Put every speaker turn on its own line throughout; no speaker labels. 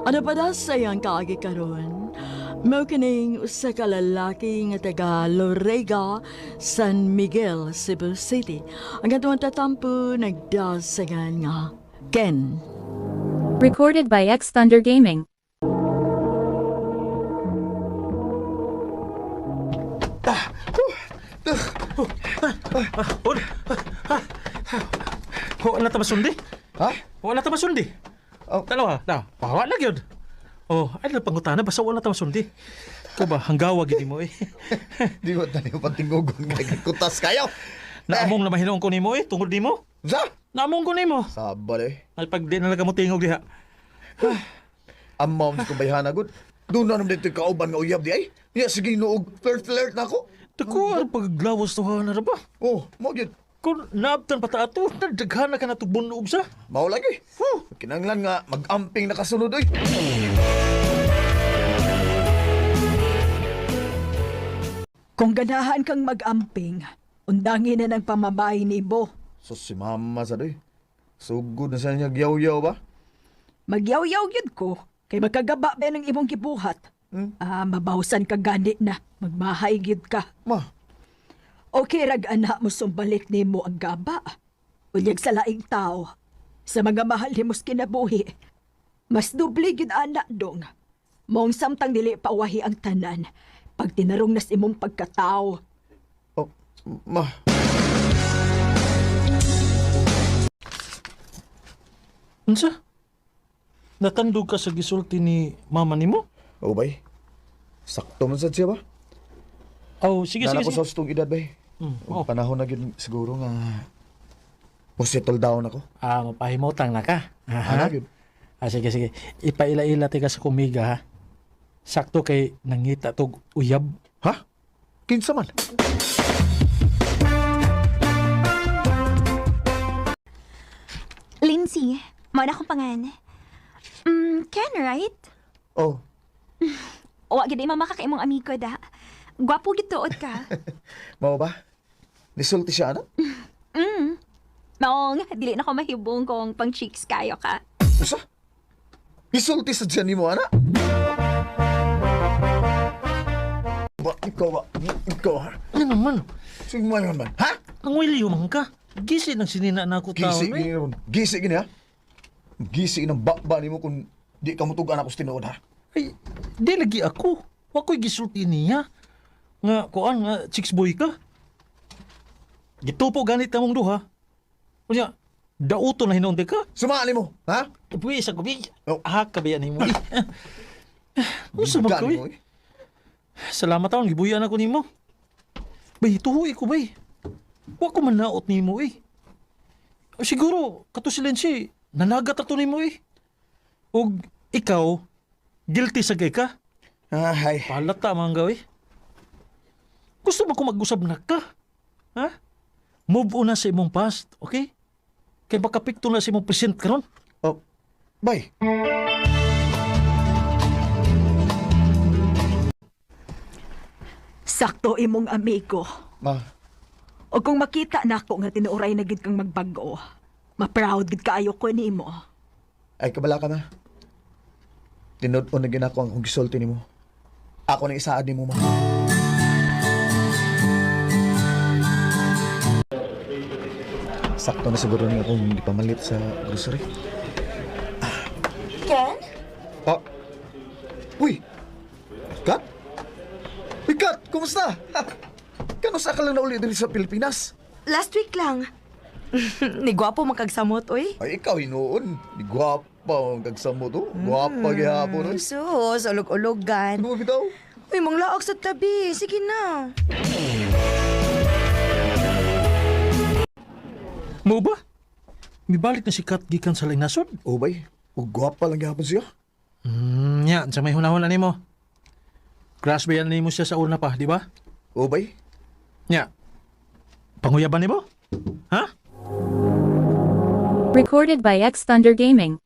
Ano pa da sayang kaagi karon? Mao kining usa ka lalaki nga taga Lorega, San Miguel, Cebu City. Ang katuwang tatampo nagdasagan nga Ken.
Recorded by X Thunder Gaming.
Wala ta masundi?
Ha?
Wala ta masundi?
Oh.
Dalawa, pahawa lang yun. Oh, ay lang pangutana, basta wala ta masundi. Ikaw ba, hanggawa gini mo eh.
Di mo tayo patingugon nga kutas kayo.
Naamong na mahinong ko ni mo eh, tungod ni mo.
Sa?
Naamong ko ni mo.
Sabal eh.
Ay pag di nalaga mo tingog diha.
Amaw sa kubayhan agad. Doon na naman dito yung kauban nga uyab di ay. Ya, sige noog flirt na ako.
Dako, ang paglawas to ha na ba?
Oh, mo yun.
Kung naabtan pa ta ato, nagdaghana ka na ito bunog sa.
Mao lagi. Kinanglan nga mag-amping nakasunod ay.
Kung ganahan kang mag-amping, undangin na ng pamabay ni Bo.
So si mama sa doy. Sugod na sa niya gyaw-yaw ba?
Magyaw-yaw yun ko, kay magkagaba ba ng imong gibuhat. Mabawsan ka gani na, magmahay gyud ka.
Ma,
Okay rag anak mo sumbalik ni mo ang gaba. Ulyag sa laing tao, sa mga mahal ni mos kinabuhi. Mas dubli gyud anak dong. Mong samtang dili pawahi ang tanan, pag tinarong nas imong pagkatao.
oh, ma.
Unsa? Natandog ka sa gisulti ni mama ni mo?
O bay, sakto man sad siya ba?
Oh, sige,
Nana
sige,
ko
sige.
sa ustong edad bay.
Oh.
Panahon na yun siguro nga settle down ako.
Mapahimotang na ka.
Ano yun?
Sige, sige. Ipaila-ila ka sa kumiga, ha? Sakto kay nangita tog uyab.
Ha? Kinsa man?
Lindsay, mo na akong pangan. Ken, right?
Oh,
O, agad ay mamakakaimong amigo da. Gwapo gituod ka.
mao ba? Nisulti siya anak?
Maong, dili na ko mahibong kung pang cheeks kayo ka.
Usa? Nisulti sa dyan ni mo anak? Ba, ikaw ba? Ikaw ha?
Ano naman?
Sige mo yun man. Ha?
Ang wiliw man ka. Gisi ng sinina na ako tao.
Gisi gini ron. Gisi gini ha? Gisi ng bakba ni mo kung di ka mutugan ako sa tinuod ha?
Ay, di lagi ako. Wako'y gisulti niya. Nga, kuan, nga, chicks boy ka. Gitupo ganit na mong duha. Kunya, dauto na hinunti ka.
Sumali mo, ha?
Uy, sa gabi.
Oh.
Kabayan ni mo. Usa
Bigan
man
mo,
ko Salamat taon, gibuyan ako ni mo. Bay, tuhoy ko bay. Wa ko man naot ni mo Siguro, kato silensi, nanagat ato ni mo Og ikaw, guilty sa gay ka.
Ay,
Palata mga gawin. Gusto mo ko mag-usab na ka? Ha? Move on na sa imong past, okay? Kaya baka pikto na sa imong present karon.
oh, bay.
Sakto imong amigo.
Ma,
O kung makita na ako nga tinuuray na gid kang magbago, ma-proud gid kaayo ko nimo.
ay kabala ka na. Tinod-on na ginako ang gisulti ni mo. Ako nang isaad ni mo, ma. Sakto na siguro niya akong ipamalit sa grocery.
Ken?
Ah! Uy! Kat? Uy, Kat! Kumusta? Kanusta ka lang na uli dito sa Pilipinas?
Last week lang. Ni gwapo makagsamot, oy.
Ay, ikaw hinuon. Di gwapa ang kagsamot, oh. Gwapa gihapon, oy.
Sus, ulog-ulogan.
Ano mo bitaw?
Uy, manglaok sa tabi. Sige na.
Mo ba? Mibalik na si Kat gikan sa linasod?
Oh, bay. O gwapa lang gihapon siya.
Yan, sa may hunahon ni mo. Crush ba yan ni mo siya sa una pa, di ba?
Oh, bay.
Nya. Panguyaban ni mo? Ha?
Recorded by X Thunder Gaming.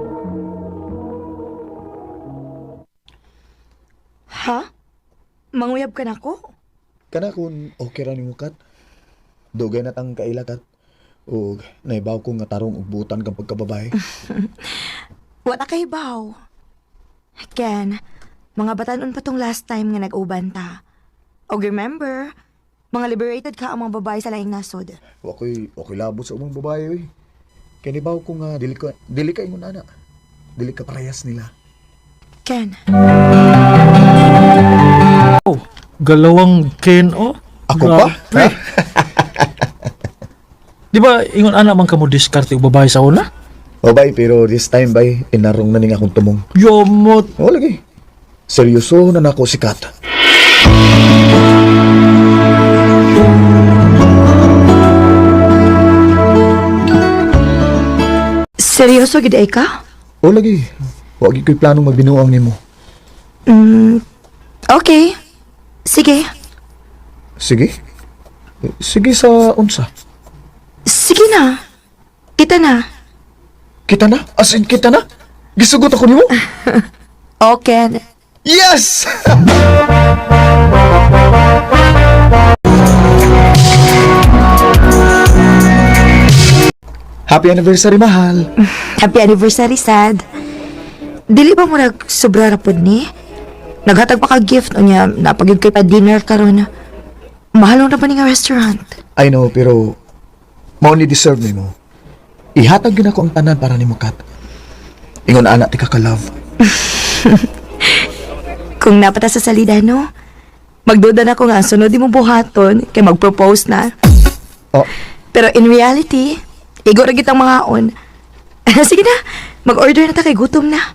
Ha? Manguyab ka na ko?
Kana kung okay ra nimo, Kat. Dugay na tang kaila, Kat. O naibaw ko nga tarong ug butan kang pagkababae.
Wala kay baw. Ken, mga batanon pa tong last time nga nag-uban ta. Og remember, mga liberated ka ang mga babae sa laing nasod.
Okay labot sa umang babae, oy. Kaya nibaw ko nga, dili ka ingon ana. Dili ka parehas nila.
Ken,
Oh, galawang Ken, oh.
Ako pa? Ha?
Di ba, ingon anak man ka mo diskarte og babae sa una?
O bay, pero this time bay, inarong na ning akong tumong.
Yomot.
O lagi. Seryoso na nako si Kat.
seryoso gid ay ka?
O lagi. Wag ko'y planong magbinuang nimo.
Okay. Sige.
Sige. Sige sa unsa.
Sige na. Kita na.
Kita na? As in, kita na? Gisugot ako nimo?
Okay.
Yes! Happy anniversary, mahal.
Happy anniversary, sad. Dili ba mo nagsobra rapod ni? Naghatag pa ka gift o niya, napagid kay pa dinner karon. Mahal na ba ni nga restaurant?
I know, pero mao ni deserve nimo. Ihatag yun ako ang tanan para nimo, Kat. Ingon anak ti ka-love.
Kung napata sa salida, no? Magduda na ko nga, sunod di mo buhaton, kay mag-propose na.
Oh,
Pero in reality, igo ra kitang mga on. Sige na, mag-order na ta kay gutom na.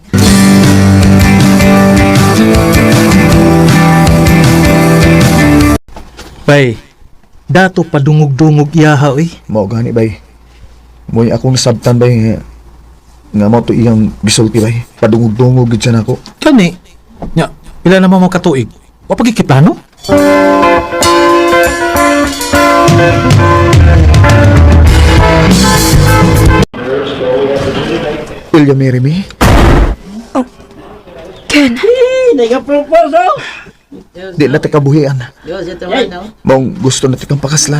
Bay, dato padungog-dungog iyaha, eh.
mao gani bay. Mo'y akong sabtan bay nga mao to iyang gisulti bay. Padungog-dungog gid siya nako.
Kani, nya, pila naman mo katuig? Wapagikiplano?
Will you marry me?
Ken,
Di na ti kabuhian. Maong gusto na ti kang pakaslan.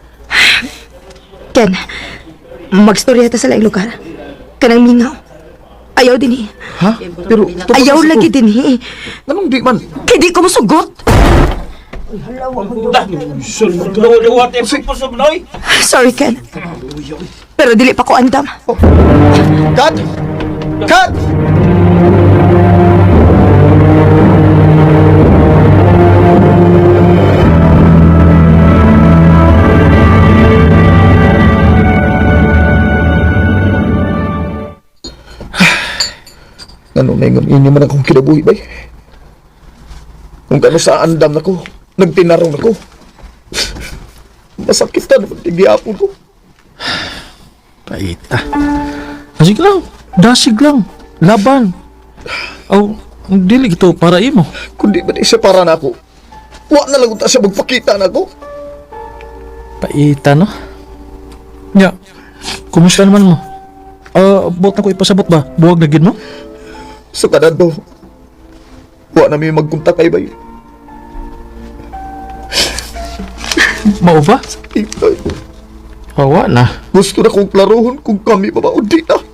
Ken, magstorya ta sa laing lugar. Kanang mingaw. Ayaw din
Ha? Pero
Ayaw lagi din
Anong di man?
Kay di ko musugot. Sorry, Ken. Pero dili pa ko andam.
Kat! Kat! Ano na ingon inyo man akong kinabuhi bay? Kung kano sa andam na ko, nagtinarong ako. Masakit na naman tigiapon ko.
Paita. Dasig lang. Dasig lang. Laban. Aw, dili ito para imo.
Kundi ba di siya para na ako? Wa na lang ta siya magpakita na ako.
Paita, no? Nya, kumusta naman mo? Bot na ko ipasabot ba? Buwag na gid mo?
Sa kanado, wa na may magkunta kay bay.
Mao ba?
Itay,
Hawa na.
gusto na kong klarohon kung kami ba o di na.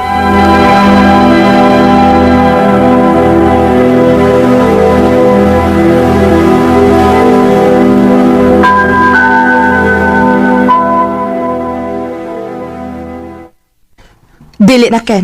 Dili na, Ken.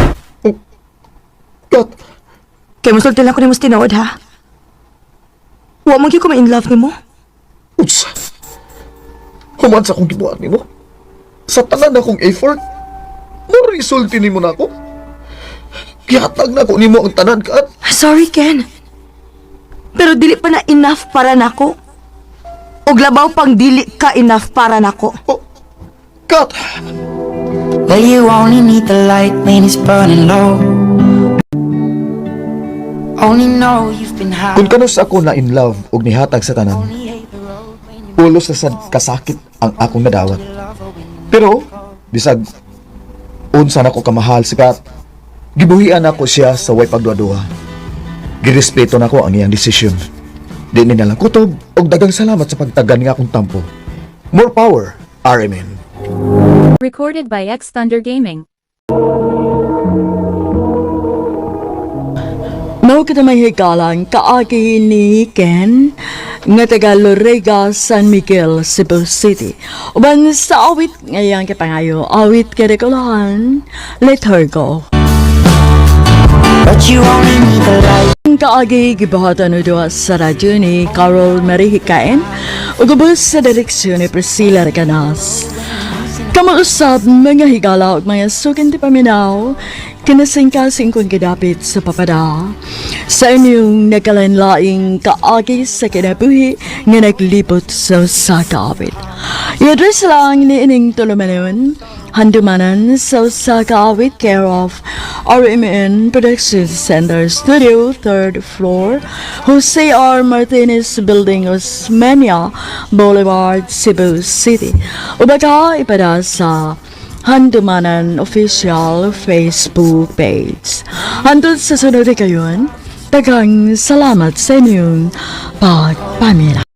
Kat,
Kay musulti lang ko ni mas tinood, ha? Wa mong ko ma-in love ni mo.
utsa. Human sa akong gibuhat ni mo. Sa tanan akong effort, mo-resulti ni mo na ako. Gihatag na ako ni mo ang tanan, Kat.
Sorry, Ken. Pero dili pa na enough para nako. Og labaw pang dili ka enough para nako.
Oh, Kat,
Well, you only need the light when it's burning low. Only know you've been high.
kung kanos ako na in love og nihatag sa tanan,
Only hate the road when you
ulos na sad kasakit ang akong nadawat. Pero, bisag, unsa na ko kamahal si Kat, gibuhian ako siya sa way pagduwa-duwa. Girespeto na ko ang iyang desisyon. Di ni nalang kutob og dagang salamat sa pagtagan nga akong tampo. More power, RMN.
Recorded by X Thunder Gaming.
Mao kita may higalan kaagi ni Ken nga taga Lorega, San Miguel, Cebu City. Uban sa awit ngayang kipangayo, awit kadekulahan, let her go.
But you only need the light.
Kaagi gibahatan udo sa radyo ni Carol Marie Hikain ug ubos sa direksyon ni Priscilla Reganas. Kamausap mga higala ug mga sukin ti paminaw kinasingkasing kung gidapit sa papada sa inyong nagkalanlaing kaagi sa kinabuhi nga naglibot sa kaawit. I-address lang ni ining tulumanon handumanan sa kaawit care of RMN Production Center Studio, 3rd floor, Jose R. Martinez Building, Osmeña Boulevard, Cebu City. Ubaga ipada sa Handumanan Official Facebook page. Hantod sa sunod kayon, tagang salamat sa inyong pagpamila.